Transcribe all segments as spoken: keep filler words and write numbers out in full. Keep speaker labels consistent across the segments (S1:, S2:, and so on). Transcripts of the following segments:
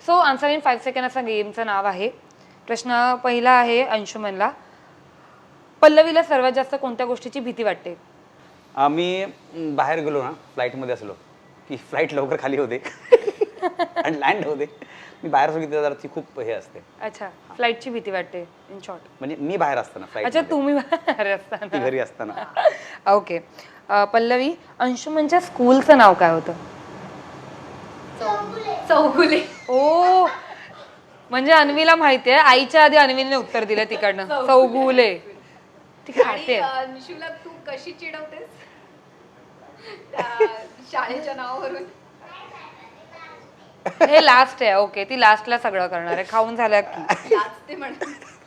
S1: So answer in five second असं गेमचं नाव आहे. प्रश्न पहिला आहे अंशुमनला. पल्लवीला सर्वात जास्त कोणत्या गोष्टीची भीती वाटते?
S2: आम्ही बाहेर गेलो ना फ्लाईटमध्ये असलो की फ्लाईट लवकर खाली होते आणि लँड होते. मी बाहेर बघितलं जरा ती खूप हे असते.
S1: अच्छा, फ्लाईटची भीती वाटते इन शॉर्ट.
S2: म्हणजे मी बाहेर असताना फ्लाईट.
S1: अच्छा, तुम्ही बाहेर असताना.
S2: ती घरी असताना.
S1: ओके. पल्लवी, अंशुमनच्या स्कूलचं नाव काय होतं?
S3: चौगुले.
S1: ओ, म्हणजे अन्वीला माहिती आहे. आईच्या आधी अन्वीने उत्तर दिलं तिकडनं. चौगुले. ती खाते.
S3: अंशुला तू कशी चिडवतेस शाळेच्या नावावरून?
S1: हे लास्ट आहे. ओके, ती लास्टला सगळं करणार आहे. खाऊन झालं की
S3: लाजते म्हणते.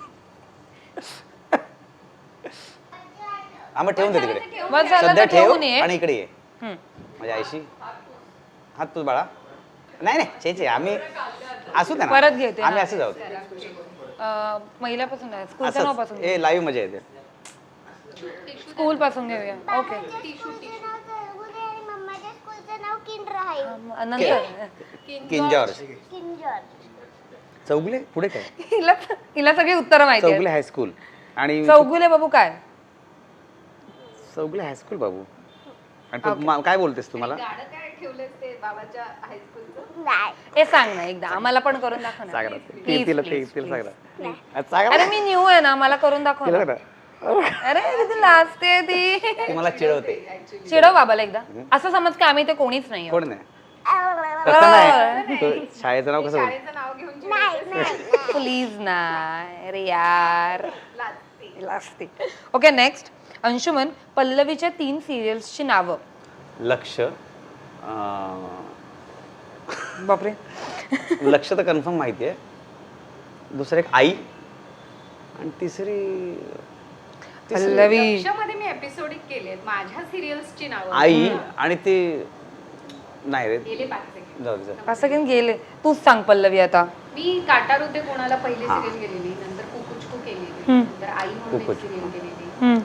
S2: हा मग ठेवून दे तिकडे.
S1: बस झालं
S2: सध्या
S1: तर
S2: ठेव
S1: ठेवून ये.
S2: आणि इकडे ये
S1: हम्म.
S2: माझ्या आईशी. हात तू बाळा. नाही नाही छे छे आम्ही असू द्या ना.
S1: परत घेते,
S2: आम्ही
S1: हा.
S2: असं जाऊ.
S1: अं, महिल्यापासून आहे, स्कूलचं नाव पासून.
S2: ए लाईव्ह मजा येते.
S1: स्कूल पासून घेऊया. ओके.
S4: मम्माच्या स्कूलचं नाव किंड्रा आहे.
S1: नंतर
S2: king George.
S4: King George.
S2: Chougule पुढे काय?
S1: हिला हिला सगळी उत्तरं माहिती
S2: चौगुले
S1: आहेत.
S2: हायस्कूल आणि
S1: चौगुले बाबू काय?
S2: चौगुले हायस्कूल बाबू. आणि तू मा- काय बोलतेस तू मला?
S3: गाणं काय ठेवलंस ते बाबाच्या हायस्कूलचं?
S4: नाही.
S1: हे सांग ना एकदा, आम्हाला पण करून दाखव ना.
S2: सांग ना.
S1: Please,
S2: ती- तिला
S1: please,
S2: ते- तिला सांग
S1: please.
S2: ना. सांग
S1: अरे
S2: ना.
S1: मी न्यू आहे ना, मला करून दाखव
S2: तिला
S1: ना.
S2: सांग ना.
S1: अरे किती लाजते ती.
S2: ती मला चिडवते.
S1: चिडव बाबाला एकदा. असं समज का आम्ही ते कोणीच नाही.
S2: कोण नाही तसं नाही. तू शाळेचं नाव कसं बोल?
S3: शाळेचं नाव घेऊन
S4: नाही, नाही.
S1: प्लीज ना. अरे यार,
S3: लाजते.
S1: लाजते. Okay, next. अंशुमन, पल्लवीच्या तीन सिरियल्सची नावं.
S2: लक्ष अं,
S1: बापरे.
S2: लक्ष तर कन्फर्म माहिती आहे. दुसरं एक आई आणि तिसरी तिसरी
S1: पल्लवी.
S3: लक्षामध्ये मी एपिसोडिक केले माझ्या सिरियल्सची नावं.
S2: आई आणि ते नाही रे
S3: गेले पाच सेकंड.
S2: जाऊ दे, जाऊ दे.
S1: असं काही गेले. तूच सांग पल्लवी आता.
S3: मी काटार होते कोणाला पहिली
S2: हा.
S3: सिरियल गेलेली, नंतर कुकुचकू केलेली,
S1: हम्म.
S3: नंतर आई म्हणून एक
S2: कुकुचकू.
S3: सिरियल केलेली.
S1: हम्म.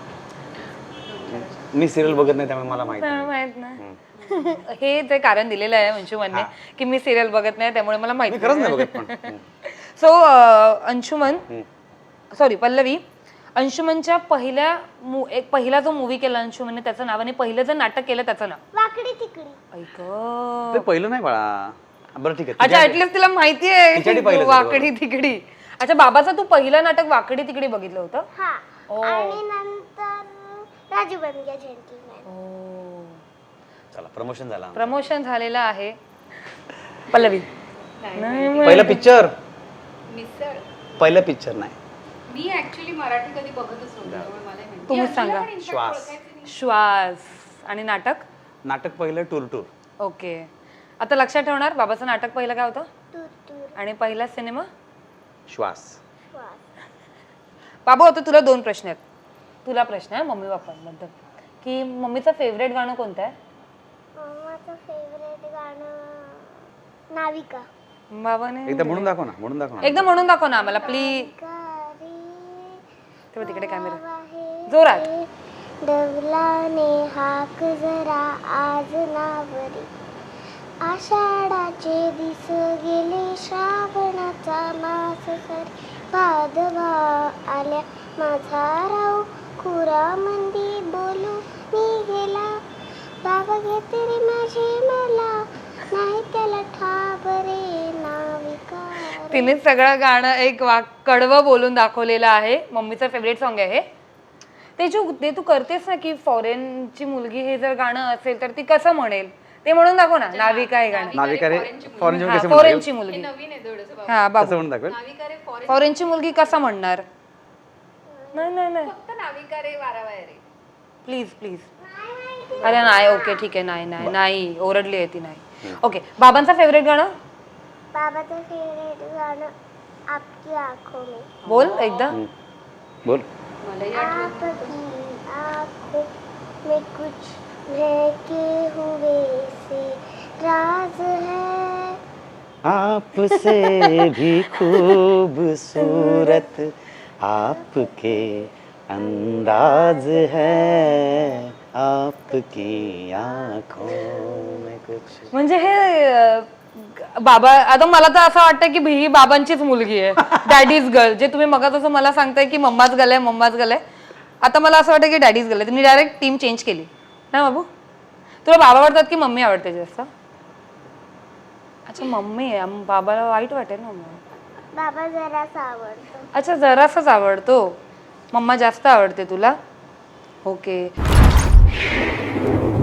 S2: मी सिरियल बघत नाही त्यामुळे मला माहिती नाही.
S1: माहित ना. हे ते कारण दिलेलं आहे अंशुमनने की मी सिरियल बघत नाही त्यामुळे मला
S2: मी
S1: माहिती
S2: खरंच नाही बघत पण. हम्म.
S1: सो अंशुमन,
S2: हम्म.
S1: सॉरी पल्लवी, अंशुमनच्या पहिल्या मु- एक पहिला जो मूवी केला अंशुमनने त्याचं नाव आणि पहिलं जे नाटक केलं त्याचं नाव.
S4: वाकडी तिकडी.
S1: ऐक.
S2: ते पहिलं नाही बाळा. बरं ठीक आहे
S1: अच्छा,
S2: तुझ्या-
S1: ऍटलिस्ट तिला माहिती
S2: तिच्यासाठी
S1: आहे
S2: पहिलं
S1: वाकडी तिकडी. अच्छा, बाबाचं तू पहिलं नाटक वाकडी तिकडी बघितलं होतं?
S4: हा.
S1: ओ.
S4: आणि नंतर राजू बन गया जेंटलमॅन.
S1: ओ,
S2: चला प्रमोशन झाला.
S1: प्रमोशन झालेलं आहे. पल्लवी.
S3: नाही,
S1: नाही,
S2: पहिला पिक्चर
S3: मिसळ.
S2: पहिला पिक्चर नाही.
S3: मी ऍक्च्युली मराठी कधी बघतच नव्हते त्यामुळे मला नाही माहिती.
S1: तुम्हीच
S3: मी
S1: सांगा.
S3: अंजलीला पण in fact
S2: श्वास.
S3: ओळखायचे नाही.
S1: श्वास आणि नाटक.
S2: नाटक पहिलं टूर टूर.
S1: ओके, आता लक्षात ठेवणार. बाबाचं नाटक पहिलं काय होतं
S4: तूर तूर.
S1: आणि पहिला सिनेमा?
S2: श्वास.
S4: श्वास.
S1: बाबू, आता तुला दोन प्रश्न आहेत. तुला प्रश्न आहे मम्मी पप्पांबद्दल की मम्मीचं फेवरेट गाणं कोणतं आहे?
S4: माझं फेवरेट गाणं नाविका.
S1: बाबाने
S2: एकदा म्हणून दाखव ना. म्हणून दाखव ना.
S1: एकदा म्हणून दाखव ना आम्हाला प्लीज.
S4: गारी
S1: तेव्हा तिकडे कॅमेरा
S4: आहे
S1: जोरात.
S4: डवलाने हाक जरा आज नावरी. आषाढाचे दिस गेले श्रावणाचा मास सरी. भादवा आल्या माझा राव खुरा मंदी बोलू मी गेला. बाबा घेते रे माझे मला नाही त्याला ठाबरे नाविका.
S1: तिने सगळं गाणं एक वाक कडवं बोलून दाखवलेलं आहे. मम्मीचं फेवरेट सॉन्ग आहे हे. ते जो ते तू करतेस ना की फॉरेनची मुलगी हे जर गाणं असेल तर ती कसं म्हणेल ते म्हणून दाखव ना. नाविका हे गाणं.
S2: नाविका रे फॉरेन
S1: हा,
S2: कसं
S1: फॉरेनची
S3: हे
S1: मुलगी.
S3: नवीन आहे थोडंसं बाबा.
S1: हा
S2: कसं
S1: बाबू,
S2: म्हणून दाखवेल?
S3: नाविका रे फॉरेन.
S1: फॉरेनची मुलगी कसा म्हणणार? नाही नाही नाही,
S3: फक्त नाविका रे वारावाय रे.
S1: Please please. अरे नाही, ओके ठीक आहे. नाही नाही नाही, ओरडली आहे ती. नाही. ओके, बाबांचा फेवरेट गाणं
S4: बाबाचं फेवरेट गाणं आपकी आंखों में.
S1: बोल एकदा.
S2: हम्म. बोल.
S3: मलाही आठवत
S4: आपकी आंखों में कुछ महके हुए से राज है.
S2: आपसे भी खूबसूरत आपके अंदाज है. आपकी आंखों में कुछ.
S1: म्हणजे हे अं, बाबा आता मला तर असं वाटतं की ही बाबांचीच मुलगी आहे, डॅडीज गर्ल. जे तुम्ही मग तसं मला सांगताय की मम्माच गर्ल आहे मम्माच गर्ल आहे, आता मला असं वाटतं की डॅडीज गर्ल आहे. तुम्ही डायरेक्ट टीम चेंज केली ना बाबू. तुला बाबा आवडतात की मम्मी आवडते जास्त? अच्छा मम्मी आहे, मग बाबाला वाईट वाटेल ना मग.
S4: बाबा जरासा आवडतो.
S1: अच्छा जरासाच आवडतो, मम्मा जास्त आवडते तुला. ओके